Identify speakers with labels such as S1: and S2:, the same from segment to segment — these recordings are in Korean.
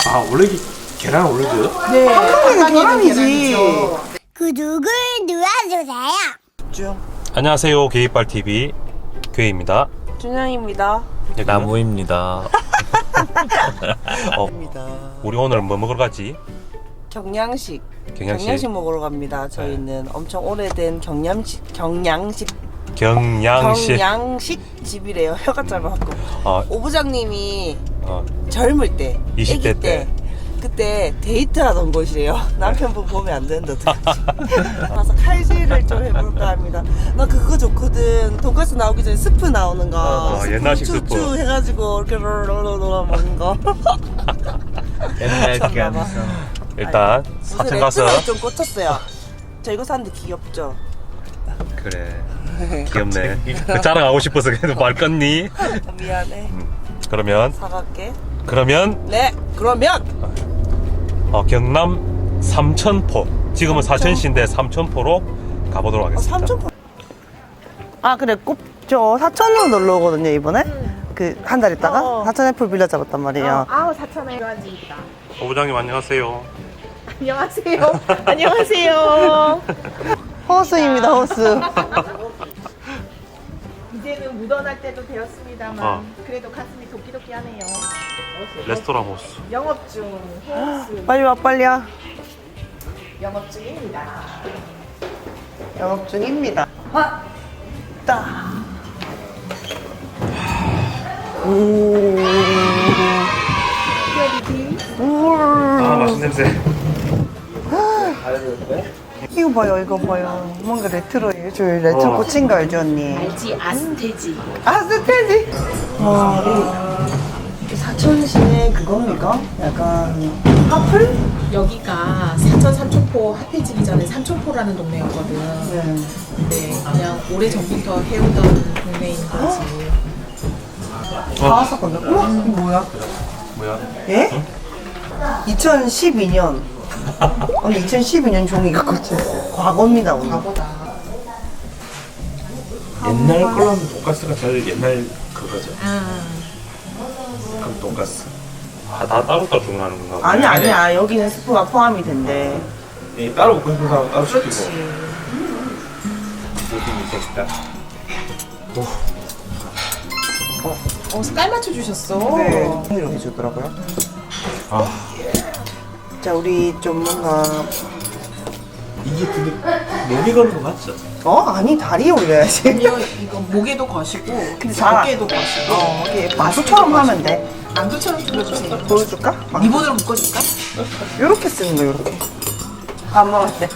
S1: 아 원래 계란 원래 줘요?
S2: 네, 한국에는 계란이지.
S3: 구독을 눌러주세요.
S1: 안녕하세요. 게이빨 TV 괴입니다.
S2: 준영입니다.
S4: 나무입니다.
S1: 우리 오늘 뭐 먹으러 가지?
S2: 경양식
S1: 경양식
S2: 먹으러 갑니다. 저희는 엄청 오래된 경양식
S1: 경양식.
S2: 집이래요. 혀가 짧아갖고. 오 부장님이 젊을 때,
S1: 20대
S2: 아기
S1: 때.
S2: 그때 데이트하던 곳이래요. 남편분 보면 안 되는데 어떡하지? 가서 칼질을 좀 해볼까 합니다. 나 그거 좋거든. 돈까스 나오기 전에 스프 나오는 거.
S1: 옛날식 스프.
S2: 쭈쭈 해가지고 이렇게 롤롤롤 먹는 거.
S4: 옛날 그
S2: 미쳤나봐.
S4: 하면서
S1: 일단
S2: 무슨
S1: 사천 가서
S2: 레트로에 좀 꽂혔어요. 저 이거 샀는데 귀엽죠?
S1: 그래 귀엽네. 자랑하고 싶어서 계속 말 껐니?
S2: 미안해.
S1: 그러면
S2: 사갈게.
S1: 네
S2: 그러면
S1: 경남 삼천포, 지금은 사천시인데 삼천포로 가보도록 하겠습니다.
S2: 삼천포. 아 그래 저 사천으로 놀러 오거든요 이번에. 그 한 달 있다가 사천 애플 빌려 잡았단 말이에요.
S5: 아우 사천에 교환집이다.
S1: 오 부장님 안녕하세요.
S5: 안녕하세요. 안녕하세요.
S2: 호수입니다 호수.
S5: 이제는 묻어날 때도 되었습니다만
S1: 어.
S5: 그래도 가슴이 도끼도끼하네요.
S1: 레스토랑 호수.
S5: 영업 중 호스
S2: 빨리 와 빨리 와.
S5: 영업 중입니다.
S2: 영업 중입니다. 왔다.
S1: 아 맛있는 냄새.
S2: 이거 봐요 이거 봐요. 뭔가 레트로예요. 저 레트로 꽂힌 거 알죠 언니?
S5: 알지 아스테지.
S2: 아스테지. 와, 이 사천시내 그겁니까? 약간 화풀?
S5: 여기가 사천 삼천포 핫해지기 전에 삼천포라는 동네였거든.
S2: 네.
S5: 근데 그냥 오래 전부터 해오던 동네인 거지.
S2: 다 왔었거든. 우와, 이거 뭐야?
S1: 뭐야?
S2: 예? 2012년. 언니 2012년 종이가 꽂혀. 과거입니다 오늘.
S5: 과거다.
S4: 옛날 걸로는 돈가스가 제일 옛날 그거죠.
S5: 아.
S4: 그럼 돈가스.
S1: 다 따로따로 주문하는 건가?
S2: 아니야 여기는 스프가 포함이 된대.
S4: 이 따로 먹고 싶은 사람 따로 시키고. 느낌이 있겠다.
S5: 깔 맞춰 주셨어.
S2: 네. 이렇게 해주더라고요. 자 우리 좀 뭔가
S4: 이게 근데 몸이 거는 거 맞죠?
S2: 아니 다리에 올려야지.
S5: 아니요 이거 목에도 거시고
S2: 잘-
S5: 어깨에도 거시고
S2: 이게 마수처럼 하면 돼.
S5: 만두처럼 줄여주세요.
S2: 보여줄까?
S5: 리본으로 묶어줄까?
S2: 요렇게 쓰는 거 요렇게. 안 먹었대.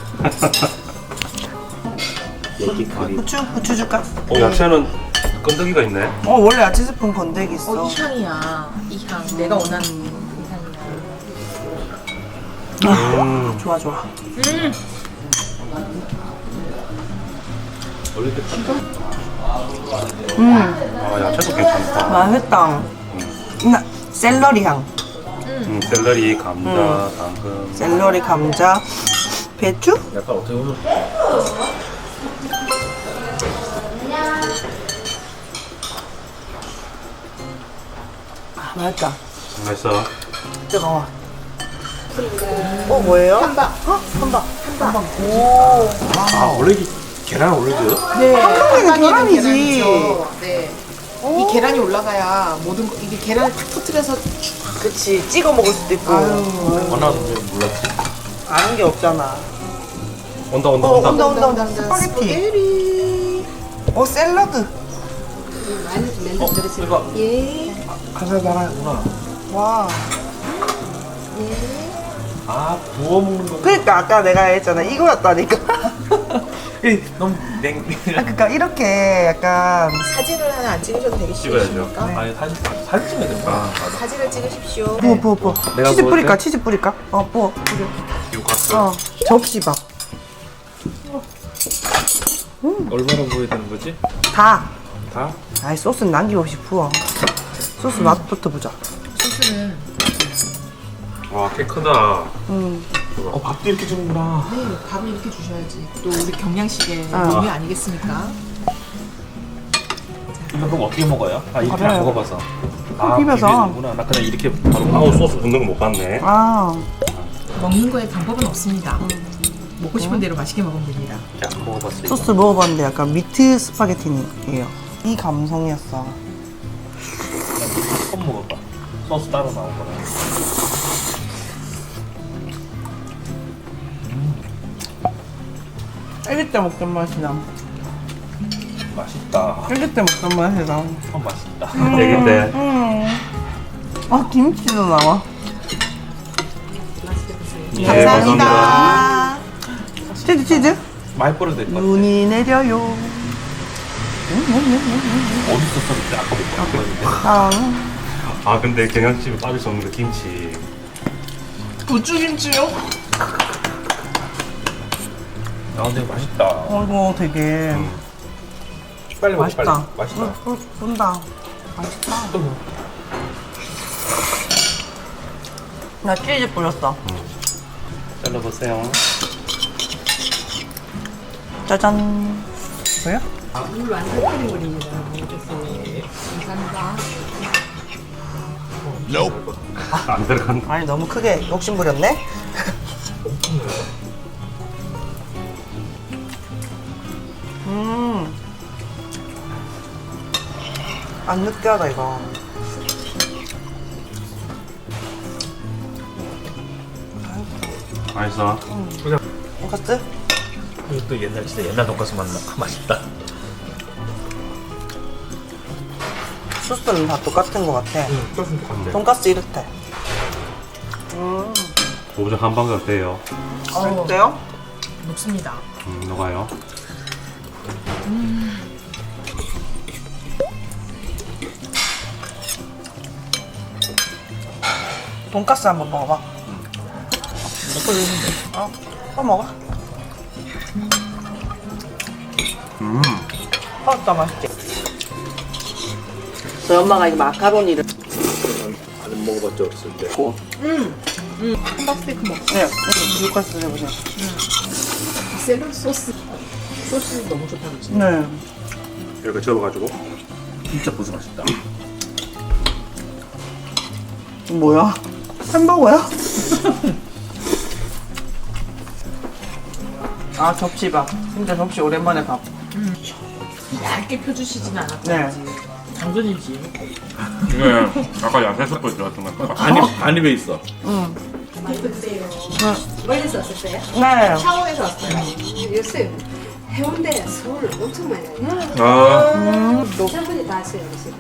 S4: 얘기거리.
S2: 후추 줄까?
S1: 야채는 건더기가 있네.
S2: 원래 야채 스푼 건더기 있어.
S5: 이 향이야. 이 향. 내가 원하는 이 향이야.
S2: 좋아.
S4: 원래 그 튀겨?
S1: 야채도 괜찮다.
S2: 맛있다. 샐러리 향.
S1: 샐러리, 감자, 당근.
S2: 샐러리, 감자, 배추?
S4: 약간 어떻게 보면
S2: 맛있다.
S1: 맛있어.
S2: 뜨거워. 뭐예요?
S5: 한박.
S2: 한박.
S1: 아 원래 계란 원래 줘요?
S5: 네.
S2: 한국에는 계란이지.
S5: 네. 이 계란이 올라가야 모든 거, 이게 계란을 탁 터뜨려서
S2: 그치. 찍어 먹을 수도 있고.
S4: 원하는 줄 몰랐지.
S2: 아는 게 없잖아.
S1: 온다.
S2: 온다. 스파게티. 샐러드.
S4: 이거
S5: 예.
S4: 가사 나라구나.
S2: 와.
S4: 부어 먹는 거.
S2: 그러니까 아까 내가 했잖아. 이거였다니까.
S4: 너무 냉.
S2: 그러니까 이렇게 약간
S5: 사진을 하나 안 찍으셔도
S1: 찍어야죠.
S5: 되겠습니까?
S4: 아니 사진 찍어야 돼.
S5: 사진을 찍으십시오.
S2: 부어.
S4: 내가
S2: 치즈
S4: 먹을
S2: 뿌릴까?
S4: 때?
S2: 치즈 뿌릴까? 뿌려.
S1: 유카스.
S2: 접시밥.
S4: 얼마나 부어야 되는 거지?
S2: 다.
S4: 다?
S2: 아이 소스는 남김없이 부어. 소스 맛부터 보자.
S5: 소스는
S1: 와, 꽤 크다.
S4: 밥도 이렇게 주는구나.
S5: 네, 밥을 이렇게 주셔야지. 또 우리 경양식의
S2: 아.
S5: 묘미 아니겠습니까?
S4: 그럼 어떻게 먹어요? 이렇게 안 먹어봐서.
S2: 비벼서.
S4: 비벼는구나. 나 그냥 이렇게 바로
S1: 아우 소스 붓는 거 못 봤네.
S2: 아,
S5: 먹는 거에 방법은 없습니다. 먹고 싶은 대로 맛있게 먹으면 됩니다.
S1: 자 먹어봤어요.
S2: 소스 먹어봤는데 약간 미트 스파게티예요. 이 감성이었어.
S4: 처음 먹어봐. 소스 따로 나온 거라.
S2: 쫄깃 때 먹던 맛이 나.
S4: 맛있다.
S2: 쫄깃 때 먹던 맛이 나.
S4: 맛있다.
S1: 얘긴데
S2: 아, 김치도 나와.
S1: 예,
S2: 감사합니다. 치즈.
S4: 많이 뿌려도 될 것 같아.
S2: 눈이 내려요.
S4: 어디서 썼는데 아까 못 봤는데.
S2: 아,
S1: 아 근데 경양집에 빠질 수 없는 게 김치.
S5: 부추김치요?
S4: 아 근데 맛있다.
S2: 이거 되게
S4: 빨리 먹어
S2: 맛있다.
S4: 빨리. 맛있다.
S2: 본다. 맛있다. 나 치즈 뿌렸어.
S1: 잘라보세요.
S2: 짜잔. 뭐야?
S5: 물 완전 끓여버립니다. 감사합니다.
S1: 안 들어간.
S2: 아니, 너무 크게 욕심 부렸네? 안 느끼하다, 이거.
S1: 맛있어.
S2: 돈까스?
S4: 이것도 옛날 진짜 옛날 돈가스 맛나. 맛있다.
S2: 소스는 다 똑같은 것 같아.
S1: 근데
S2: 돈까스 이렇대.
S1: 고부장 한방울 어때요?
S2: 어때요?
S5: 녹습니다.
S1: 녹아요.
S2: 돈까스 한번 먹어봐. 또 먹어. 더 맛있지? 저희 엄마가 이 마카로니를
S4: 안 먹어봤죠 어렸을 때.
S5: 함박스테이크 먹.
S2: 네, 돈까스 해보세요.
S5: 샐러드 소스. 소스 너무 좋다 그치?
S2: 네.
S1: 이렇게 접어가지고.
S4: 진짜 고수 맛있다.
S2: 뭐야? 햄버거야? 아, 접시밥. 진짜 접시 오랜만에 밥.
S5: 얇게 펴주시진 않았고
S2: 네.
S5: 당근이지.
S1: 네. 아까 야채 숯불 들어갔던 거.
S4: 안입에 있어.
S3: 멀리서 왔었어요?
S2: 네.
S5: 샤워에서 왔어요.
S3: 요새 해운대 서울 엄청 많이 와요.
S1: 아.
S3: 남편분이 다 하세요, 요새.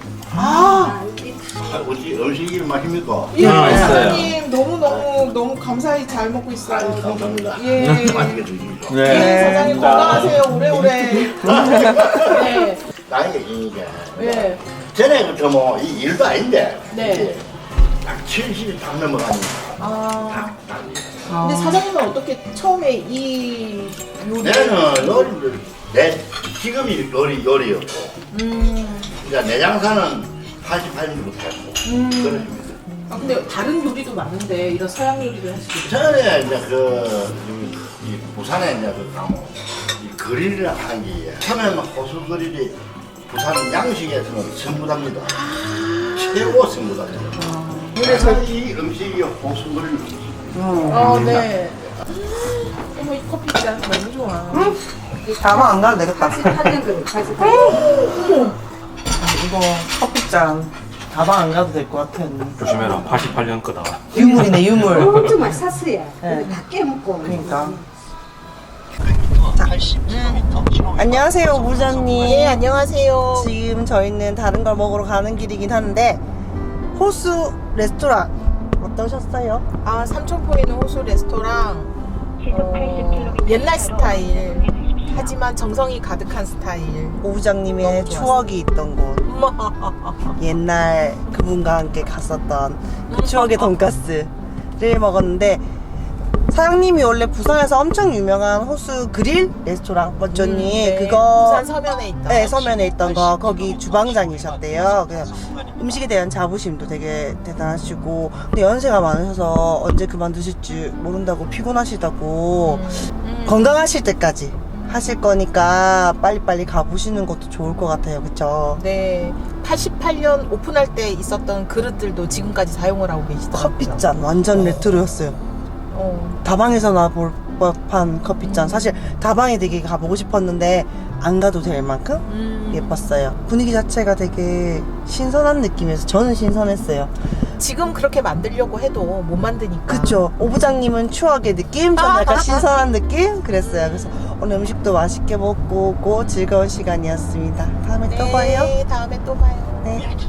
S6: 어찌 음식이 맛입니까?
S5: 예,
S2: 네.
S5: 사장님 너무 감사히 잘 먹고 있어요. 예.
S6: 맛있게 드십시오.
S5: 예, 사장님 건강하세요. 오래오래. 네.
S6: 나이가 이게
S5: 네.
S6: 전에 그저 뭐이 일도 아닌데
S5: 네.
S6: 딱 70이 딱 넘어가니까
S5: 아,
S6: 딱
S5: 근데 사장님은 어떻게 처음에 이 요리?
S6: 내는 요리를 내 직업이 요리였고 이제 내 장사는 88년부터 했고 그렇습니다.
S5: 아, 근데 다른 요리도 많은데 이런 서양 요리를 하시고.
S6: 전에 이제 이 부산에 이제 이 그릴을 하는 게 처음에는 호수 그릴이 부산 양식에서는 선구답니다. 최고 선구답니다.
S5: 근데 저,
S6: 이 음식이 호수 그릴 음식.
S5: 네. 어머 이 커피 진짜 너무 좋아.
S2: 다만 안 가도 되겠다.
S3: 88년 그래, 88년.
S2: 이거 커피잔 다방 안 가도 될 것 같아.
S1: 조심해라. 88년 거다.
S2: 유물이네, 유물.
S3: 엄청 많이 샀어요.
S2: 네.
S3: 다 깨먹고.
S2: 그러니까. 안녕하세요, 부장님.
S5: 네, 안녕하세요.
S2: 지금 저희는 다른 걸 먹으러 가는 길이긴 한데 호수 레스토랑 어떠셨어요?
S5: 아, 삼천포에 있는 호수 레스토랑 옛날 스타일 하지만 정성이 가득한 스타일.
S2: 오 부장님의
S5: 너무 좋았어요.
S2: 추억이 있던 곳. 옛날 그분과 함께 갔었던 그 추억의 돈가스를 먹었는데 사장님이 원래 부산에서 엄청 유명한 호수 그릴 레스토랑 멋져님
S5: 네,
S2: 그거
S5: 부산 서면에 있던.
S2: 네, 서면에 있던 거 거기 주방장이셨대요. 그래서 음식에 대한 자부심도 되게 대단하시고 근데 연세가 많으셔서 언제 그만두실지 모른다고 피곤하시다고 건강하실 때까지 하실 거니까 빨리빨리 가보시는 것도 좋을 것 같아요. 그쵸?
S5: 네, 88년 오픈할 때 있었던 그릇들도 지금까지 사용을 하고 계시더라고요.
S2: 커피잔 완전 레트로였어요. 다방에서나 볼 법한 커피잔. 사실 다방에 되게 가보고 싶었는데 안 가도 될 만큼 예뻤어요. 분위기 자체가 되게 신선한 느낌이어서 저는 신선했어요.
S5: 지금 그렇게 만들려고 해도 못 만드니까.
S2: 그쵸? 오 부장님은 추억의 느낌, 저는 약간 신선한 느낌? 그랬어요. 그래서 오늘 음식도 맛있게 먹고 오고 즐거운 시간이었습니다. 다음에 또 봐요.
S5: 네, 다음에 또 봐요.
S2: 네.